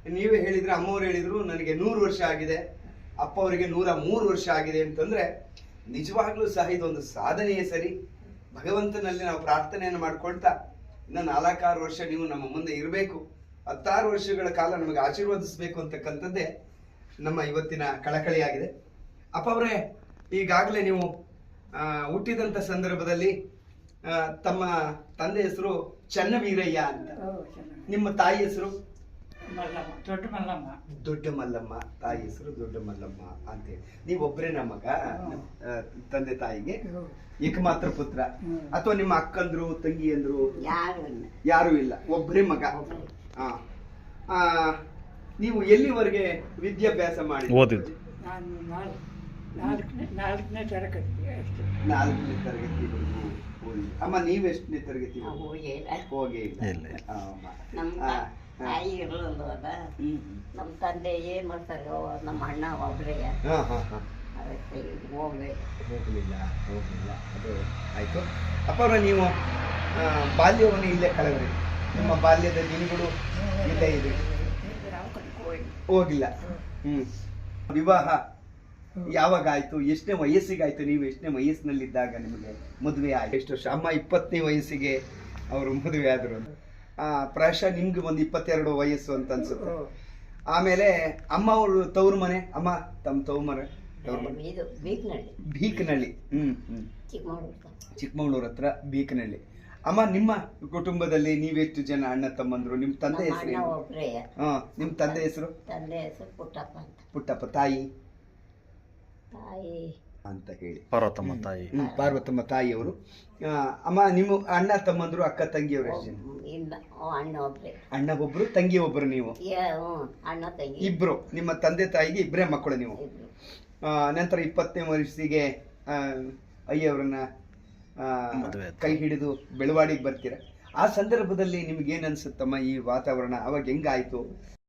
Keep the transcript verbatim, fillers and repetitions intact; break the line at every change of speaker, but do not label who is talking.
ನೀವೇ ಹೇಳಿದ್ರೆ, ಅಮ್ಮವ್ರು ಹೇಳಿದ್ರು ನನಗೆ ನೂರು ವರ್ಷ ಆಗಿದೆ, ಅಪ್ಪ ಅವರಿಗೆ ನೂರ ಮೂರು ವರ್ಷ ಆಗಿದೆ ಅಂತಂದ್ರೆ ನಿಜವಾಗ್ಲೂ ಸಹ ಇದೊಂದು ಸಾಧನೆಯೇ ಸರಿ. ಭಗವಂತನಲ್ಲಿ ನಾವು ಪ್ರಾರ್ಥನೆಯನ್ನು ಮಾಡ್ಕೊಳ್ತಾ ಇನ್ನು ನಾಲ್ಕಾರು ವರ್ಷ ನೀವು ನಮ್ಮ ಮುಂದೆ ಇರಬೇಕು, ಹತ್ತಾರು ವರ್ಷಗಳ ಕಾಲ ನಮಗೆ ಆಶೀರ್ವದಿಸಬೇಕು ಅಂತಕ್ಕಂಥದ್ದೇ ನಮ್ಮ ಇವತ್ತಿನ ಕಳಕಳಿಯಾಗಿದೆ. ಅಪ್ಪ ಅವರೇ, ಈಗಾಗಲೇ ನೀವು ಹುಟ್ಟಿದಂಥ ಸಂದರ್ಭದಲ್ಲಿ ತಮ್ಮ ತಂದೆ ಹೆಸರು ಚನ್ನವೀರಯ್ಯ ಅಂತ, ನಿಮ್ಮ ತಾಯಿ ಹೆಸರು
ದೊಡ್ಡ ಮಲ್ಲಮ್ಮ.
ದೊಡ್ಡ ಮಲ್ಲಮ್ಮ, ತಾಯಿ ಹೆಸರು ದೊಡ್ಡ ಮಲ್ಲಮ್ಮ ಅಂತೇಳಿ. ನೀವೊಬ್ಬರೇ ಮಗ ತಂದೆ ತಾಯಿಗೆ, ಏಕಮಾತ್ರ ಪುತ್ರ, ಅಥವಾ ನಿಮ್ಮ ಅಕ್ಕಂದ್ರು ತಂಗಿಯಂದ್ರು ಯಾರು ಇಲ್ಲ, ಒಬ್ಬರೇ ಮಗ. ಆ ನೀವು ಎಲ್ಲಿವರೆಗೆ ವಿದ್ಯಾಭ್ಯಾಸ ಮಾಡಿ
ಓದಿದ್ದು? ನಾಲ್ಕನೇ ನಾಲ್ಕನೇ ತರಗತಿ ಅಷ್ಟೇ.
ನಾಲ್ಕನೇ ತರಗತಿವರೆಗೂ ಓದಿ. ಅಮ್ಮ ನೀವು ಎಷ್ಟನೇ ತರಗತಿ? ಹೋಗೇ ಇಲ್ಲ.
ತಾಯಿ ಇರಲಿಲ್ಲ, ನಮ್ಮ ತಂದೆ ಏನ್ ಮಾಡ್ತಾರೆ, ನಮ್ಮ ಅಣ್ಣ ಒಬ್ಬರೇ ಅದಕ್ಕೆ ಹೋಗ್ಬೇಕು.
ಹೋಗ್ಲಿಲ್ಲ ಹೋಗ್ಲಿಲ್ಲ ಅದು ಆಯ್ತು. ಅಪ್ಪ ಅವರ ನೀವು ಬಾಲ್ಯವನ್ನು ಇಲ್ಲೇ ಕಳೆದ್ರಿ, ನಿಮ್ಮ ಬಾಲ್ಯದ ದಿನಗಳು ಇಲ್ಲೇ ಇದೆ, ಹೋಗಿಲ್ಲ. ಹ್ಮ್ ವಿವಾಹ ಯಾವಾಗ ಆಯ್ತು? ಎಷ್ಟನೇ ವಯಸ್ಸಿಗೆ ಆಯ್ತು? ನೀವು ಎಷ್ಟನೇ ವಯಸ್ಸಿನಲ್ಲಿದ್ದಾಗ ನಿಮಗೆ ಮದುವೆ ಆಯ್ತು? ಎಷ್ಟು ವರ್ಷ? ಅಮ್ಮ ಇಪ್ಪತ್ತನೇ ವಯಸ್ಸಿಗೆ ಅವರು ಮದುವೆ ಆದ್ರು. ಆ ಪ್ರಾಯಶಃ ನಿಮ್ಗೆ ಒಂದು ಇಪ್ಪತ್ತೆರಡು ವಯಸ್ಸು ಅಂತ ಅನ್ಸುತ್ತೆ. ಆಮೇಲೆ ಅಮ್ಮ ಅವರು ತವ್ರ ಮನೆ, ಅಮ್ಮ ತಮ್ಮ ತವ್ರ ಮನೆ ಬೀಕನಹಳ್ಳಿ. ಹ್ಮ್ ಹ್ಮ್ ಚಿಕ್ಕಮಗಳೂರು ಹತ್ರ ಬೀಕನಹಳ್ಳಿ. ಅಮ್ಮ, ನಿಮ್ಮ ಕುಟುಂಬದಲ್ಲಿ ನೀವೆಷ್ಟು ಜನ ಅಣ್ಣ ತಮ್ಮಂದ್ರು? ನಿಮ್ ತಂದೆ ಹೆಸರು? ಹಾ, ನಿಮ್ ತಂದೆ ಹೆಸರು?
ತಂದೆ ಹೆಸರು ಪುಟ್ಟಪ್ಪ ಅಂತ.
ಪುಟ್ಟಪ್ಪ. ತಾಯಿ
ತಾಯಿ
ಅಂತ ಹೇಳಿ
ಪಾರ್ವತಮ್ಮ ತಾಯಿ.
ಪಾರ್ವತಮ್ಮ ತಾಯಿಯವರು. ಅಮ್ಮ, ನಿಮ್ಮ ಅಣ್ಣ ತಮ್ಮಂದ್ರು, ಅಕ್ಕ ತಂಗಿಯವರು ಎಷ್ಟು ಜನ?
ಇಲ್ಲ, ಅಣ್ಣ ಒಬ್ರೆ.
ಅಣ್ಣ ಒಬ್ರು, ತಂಗಿ ಒಬ್ರು. ನೀವು
ಅಣ್ಣ ತಂಗಿ
ಇಬ್ರು. ನಿಮ್ಮ ತಂದೆ ತಾಯಿಗೆ ಇಬ್ಬರೇ ಮಕ್ಕಳು ನೀವು. ನಂತರ ಇಪ್ಪತ್ತನೇ ವಯಸ್ಸಿಗೆ ಅಯ್ಯವ್ರನ್ನ ಕೈ ಹಿಡಿದು ಬೆಳವಾಡಿಗೆ ಬರ್ತೀರ. ಆ ಸಂದರ್ಭದಲ್ಲಿ ನಿಮ್ಗೆ ಏನ್ ಅನ್ಸುತ್ತಮ್ಮ ಈ ವಾತಾವರಣ? ಅವಾಗ ಹೆಂಗಾಯ್ತು?